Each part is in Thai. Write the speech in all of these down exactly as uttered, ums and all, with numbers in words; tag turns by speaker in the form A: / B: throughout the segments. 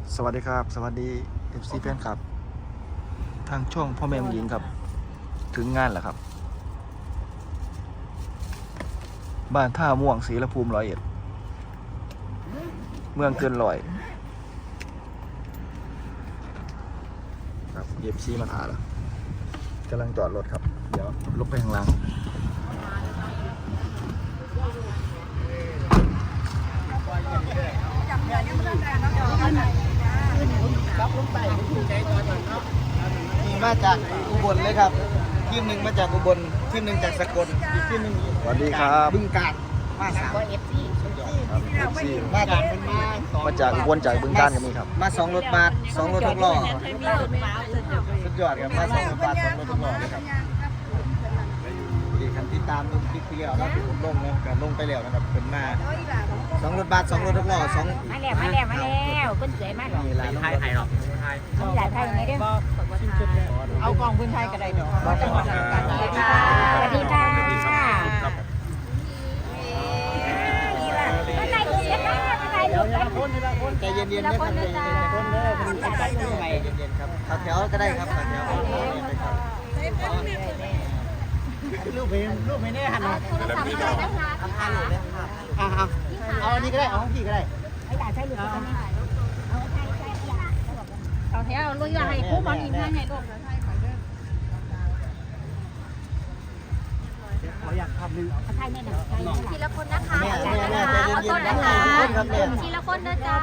A: สวัสดีครับสวัสดี เอฟ ซี แฟนครับทางช่องพ่อแม่หญิงครับถึงงานแล้วครับบ้านท่าม่วงศรีละภูมิร้อยเอ็ดเมืองเกินร้อยครับ เอฟ ซี มาถ่ายแล้วกำลังจอดรถครับเดี๋ยวลบไปข้างล่างนี่มาจากอุบลเลยครับทีมหนึ่งมาจากอุบลทีมหนึ่งจากสกลอีกทีมหนึ่งสวัสดีครับบึงกาฬมาสามเอฟซีมาจากมาจากอุบลจากบึงกาฬกันนี่ครับมาสองรถบัสสองรถทุกล้อสุดยอดครับมาสองรถบัสสองรถทุกล้อเลยครับดีครับติดตามดูคลิปที่แล้วนะที่ผมลงนะการลงไปแล้วนะครับเป็นมาสองรถบัสสองรถทุกล้อสอง
B: มาแล้วมาแล้วมาแล้วเพิ่นสวยมากหรอก
A: นี่ร้านไทยไทยหรอไทย
B: ใหญ่ไทยไหมเด้อ
C: เอากองพื้นไทยก็ได้ดอก
B: สวัสดีค่ะสวัสดีค่ะมาใส่ดูเสียค่ะมาใส่ดูกัน
A: ใจเย็นๆนะครับใจเย็นๆคนเด้อคนใจเย็นๆครับขับแถวก็ได้ครับขับแถว
C: รูปเพลงรูปเพลงได้หันมา
B: โทรศัพท์อะไรนะคะ
C: ทำทานหมดเลยอ่ะเอาเอาอันนี้ก็ได้เอาของพี่ก็ได้
B: ไม่อยากใช้หลุดกันนี่เอาใช้ใช้เอาแถวลุยให้คู่บอลอีกให้ให้ลูก
C: ขออยากทำนึง
B: ใช่แม่หนักใช่ทีละคนนะคะ
A: แม่แม่แม่ใจเย็น
B: ขอ
A: ๆ
B: โทษ
A: นะ
B: นะคะ
A: ครับแม่
B: ทีละคนนะจ๊ะ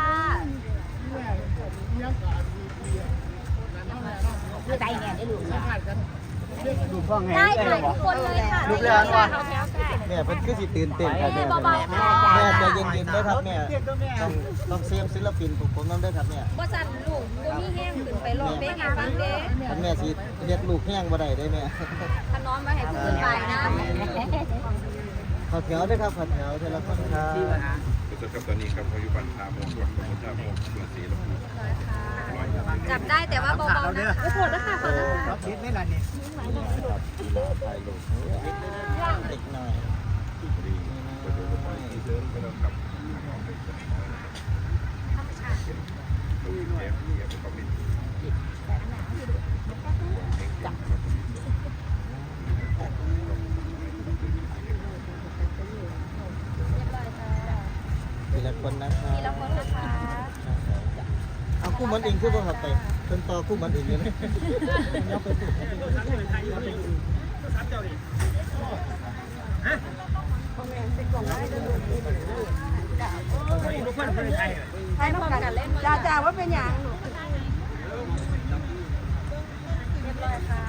B: ใจเนี่ยได้ลูก
C: ดูพ่อไง
B: ได้ถ่ายทุกคนเลยค่ะ
A: รูปแรกว่าแม่เพิ่นคือสิตื่นเต้นครับแม่แม่ใจเย็นๆนะครับแม่ต้องต้องเซฟศิลปินผมนำด้วยครับแม่
B: บ่สั่นลูกบ่มีแห้งขึ้นไปรอเป๊กให้ฟังเด้
A: ท่านแม่สิเฮ็ดลูกแห้งบ่ได้เด้แม่
B: ถ้าน้องมาให้ผู้อื่นไปนะ
A: ขอแถวด้วยครับขอแถวเทละคนครับ
D: สดๆครับตอนนี้ครับพายุบันทาโมงวันของทาโมงเมืองศรีลม
B: จับได้แต่ว่าเบาๆนะคะขอโทษนะคะขอโทษ
C: เราคิดไม่ละนี่
A: ถ่ายรูปเด็กหน่อย
D: ดีก็ดูไปที่เดินก็แล้วครับดูเทปเทปก็มี
A: ทีละคนนะครับ
B: ทีละคนนะคะ
A: เอาคู่มันเองคือบ่ครับไปเพิ่นต่อคู่มันเองเลยนะ
B: ให้น้องกันเล่นจ้าจ้าว่าเป็นอย่างเรียบร้อยค่ะ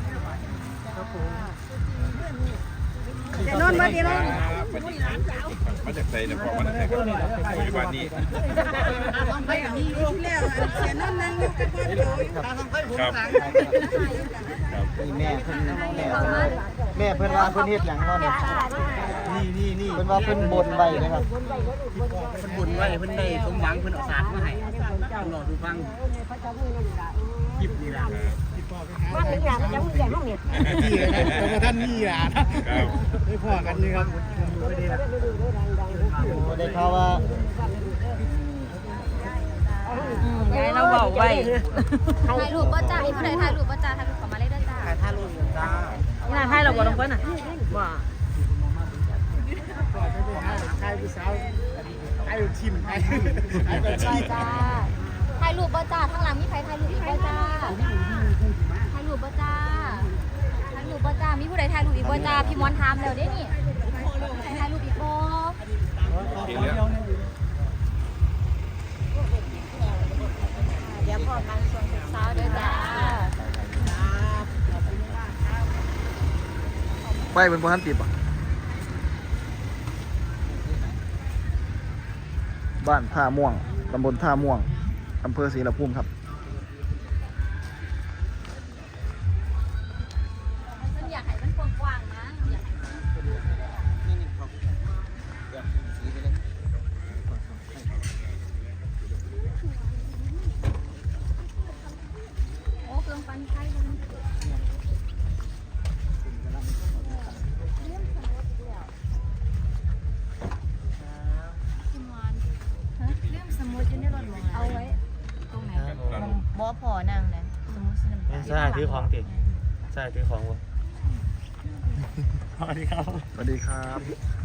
B: เดี๋ยวนอนมาดีนอน
D: มาจากไทยเนี่ยพอมาจากไทยครับพายุบันนี้
C: ไปกับนี่ลูกแล้วเสียนั่นนั่งอยู่กับพ่อโจอยู่ตาต้องค่อยผมหลัง
A: นี่แม่เพิ่นแม่แม่เพิ่นว่าเพิ่นเฮ็ดหยังเนาะนี่
C: นี่นี่นี่
A: เพิ่นว่าเพิ่นบนไว้นะครับ
C: เพิ่นบุญไว้เพิ่นได้สมหวังเพิ่นเอาสารมาให้ต้องรอดูฟังคลิปนี่ล่ะ
B: ว่าถึงอย่างจะพูดอย่างลูกเนี่ย
C: พี่นะแต่ท่านนี่ล่ะได้พ่อกันนี่ครับไม่ได้ละ
A: บ่ได้ข่าวว่า
B: ยายเราบอกไว้ถ่ายรูปป้าจ้าผู้ใดถ่ายรูปป้าจ้าถ่ายรูปขอมาเลยด้วยจ้า
C: ถ่ายรูปจ้า
B: น่าถ่ายเราบ่ลงไปน่ะว่า
C: ถ่ายผู้สาวถ่ายทีมถ่ายถ่ายทีม
B: จ้าถ่ายรูปป้าจ้าข้างหลังมีใครถ่ายรูปอีกป้าจ้าถ่ายรูปป้าจ้าถ่ายรูปป้าจ้ามีผู้ใดถ่ายรูปอีกป้าจ้าพี่มอนถามแล้วเด้นี่ถ่ายรูปอีกบ่เดี๋ยวพอกันส่วนเช้าด้วยจ้า
A: ไปเป็นบ่ทันติดบ่บ้านท่าม่วงตำบลท่าม่วงอำเภอศรีละภูมิครับ
B: มันอยากให้มันกว้างๆนะอยากโอ้เครื่องปั้นไข่เลยเอาไว้ว่าพอนางนะสมมุติสิน้ำตา
E: ใช่ถือของติใช่ถือของวะสวัสดีครับ
F: สวัสดีครับ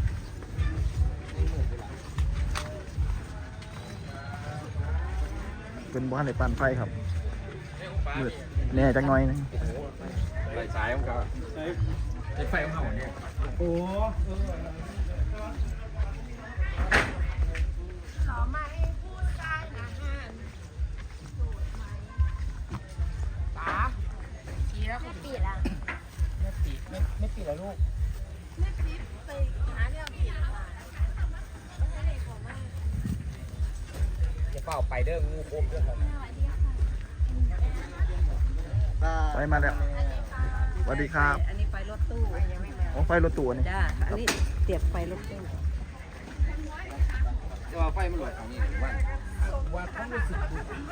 F: เป็นบ้านในปันไฟครับมืดแน่จังน้อยนึง
D: ไฟสายของเขาไฟของเขาเนี่ยโอ้
B: แม่ปีละ
C: ไม่ปิดไม่ไม่ปิดแล้วลูก อย่าเป่าไปเด้องูโคมเด้อครับ
F: ไฟมาแล้วสวัสดีครับ
G: อันนี้ไฟรถตู้
F: โอ้ไฟรถตู้นี่
G: จ้า อันนี้เตียบไฟรถตู้
C: จะว่าไฟมันหลอดของนี่หรือว่าว่าเขารู้สึก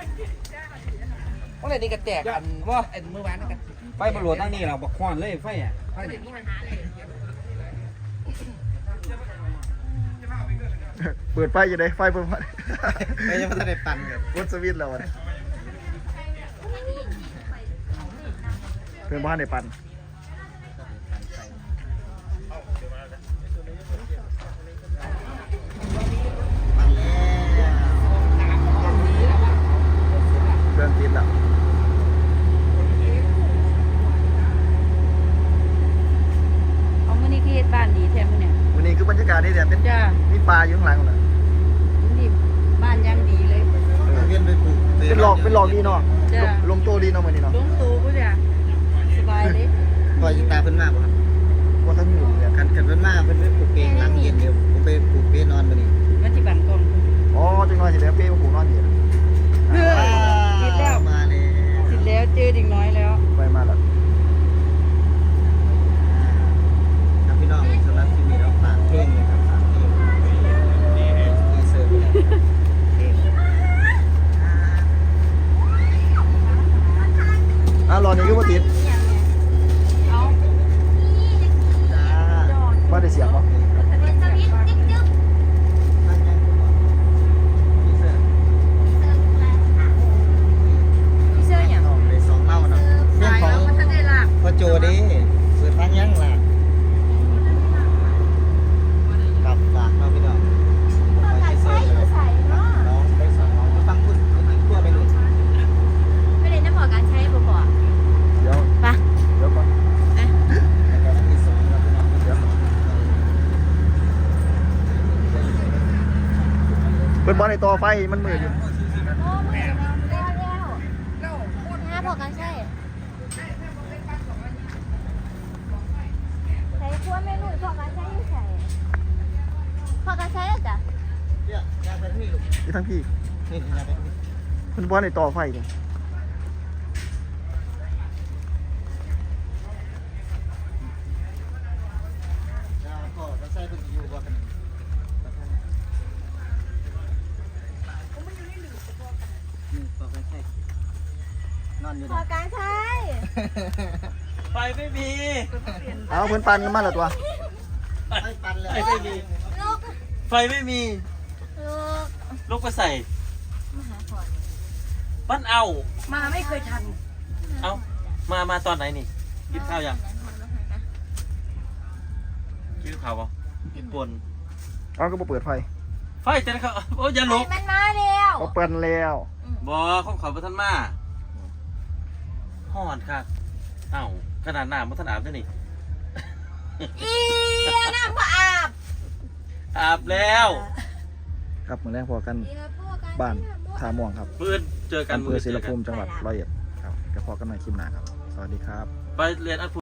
C: เพราะอะไรนี่กระแตกอันว่าไอ้เมื่อวานนั่นกันไฟมันหลอดตั้งนี่เราบักควานเลยไฟอ่ะไฟเนี่ย
F: เปิดไฟอยู่ไหนไฟเปิดไฟ
A: ไม่ยังไม่ได้ปั่นครับ
F: กดสวิตช์แล้วอะเพื่อนบ้านในปัน เครื่องติดแล้ว
G: เอามื่อนี้คือเฮ็ดบ้านดีแท้มื้อเนี่ย
F: วันนี้คือบรรยากาศนี่เนี่ยเป็น
G: จ้า
F: มีปลาอยู่ข้างหลังนะ
G: นี่บ้านยังดีเลย
A: เวียนไปปลูก
F: เป็นหลอกเป็นหลอกดีเนาะ
G: จ้ะ
F: ลงโตดีเนาะวันนี้เนาะ
G: ลงตูกูจ้ะสบายเลย
A: ปล่อยตาเพิ่นมากครับ
F: ว่าท่านอยู่เนี่ย
A: กันกันเพิ่นมากเพิ่นไปปลูกเองหลังเย็นเดียวผมไปปลูกเป้นอนมานี่
G: มันสิบันกล้อง
F: อ๋อจังน้อยสิแล้วเป้มาผูกนอนอยู่นะ
G: เฮ้ยติดแล้ว
A: มาเลย
G: ติดแล้วเจอดิ่งน้อยแล้ว
F: ไฟมาแล้ว
A: ครับพี่น้องสำหรับที่มีเราฝากเพลงเลยครับฝากเพลงดีเซอร์เพลง
F: อ่ะรอนี่ก็ว่าติด
B: เอา
A: จ้า
F: ว่าได้เสียงปะ
B: เป็นสวิตช์ติ๊กจึ๊บ
A: ท่านยังคุณหมอดีเซอร์
B: พี่เสื้ออย่าง
A: น้องเลยสองเล่านะเรื่องของ
G: มันทันได้ลาก
A: พ่อโจดิเปิดทางยังล่ะกับฝากน้องพี่น้อง
B: พอการใช้อยู่ใส่เนาะ
A: น้องไปสอนน้องไปฟังคุณคุณหญิงทั่วไปเลย
B: ไม่ได้น้ำพอการใช้บ่บ่
F: เดี๋ยว
B: ไป
F: เดี๋ยวก่อน
A: แล้วก็ที่สองเราพี่น้อง
F: เดี๋ยวเปิดบอลในตัวไฟมันมืดอยู่
B: โอ้ไม่แล้วแล้วแล้วน้าพอการใช้ใส่ขั้วเมนูพอการใช้อยู่ใส่พอการใช้แล้วจ้ะ
A: เนี่ยยางไปที่นี่ลูก
F: ที่ทั้งพี่
A: นี่ยางไปที่นี่
F: เปิดบอลในตัวไฟเนี่ย
A: ยางก็จะใส่เป็นอยู่ว่ากันนี่พอกันใช่นอนอยู่
B: พอการใช้
E: ไฟไม่มี
F: เอาเพื่อนปันกันมาแล้วตัว
A: ไม่ปันเลย
E: ไฟไม่มี
B: ลูก
E: ไฟไม่มี
B: ลูก
E: ลูกไปใส่
B: มาหาพอ
E: ปั้นเอา
G: มาไม่เคยทัน
E: เอามามาตอนไหนนี่กินข้าวยังกินข้าวปะกินปน
F: เอาก็มาเปิดไฟ
E: ไฟแต่ละเขาโอ้ยอย่าลุก
B: มันมาแล้ว
F: เขาเปิดแล้ว
E: บอของเขาประทันมาห่อนค่ะเอ้าขนาดหน้ามันถนอาบด้วยนี่
B: อีน้ำพออาบ
E: อาบแล้ว
F: ครับเหมือนแรกพอกันบ้านท่าม่วงครับ
E: มืดเจอกัน
F: อำเภ
E: มื
F: อ
E: ด
F: ศิ
E: เจ
F: ล
E: อกั
F: ภู
E: น
F: มิจังหวัดร้อยเอ็ดครับก็พอกันใหม่คลิปหน้าครับ สวัสดีครับ
E: ไปเรียนอัด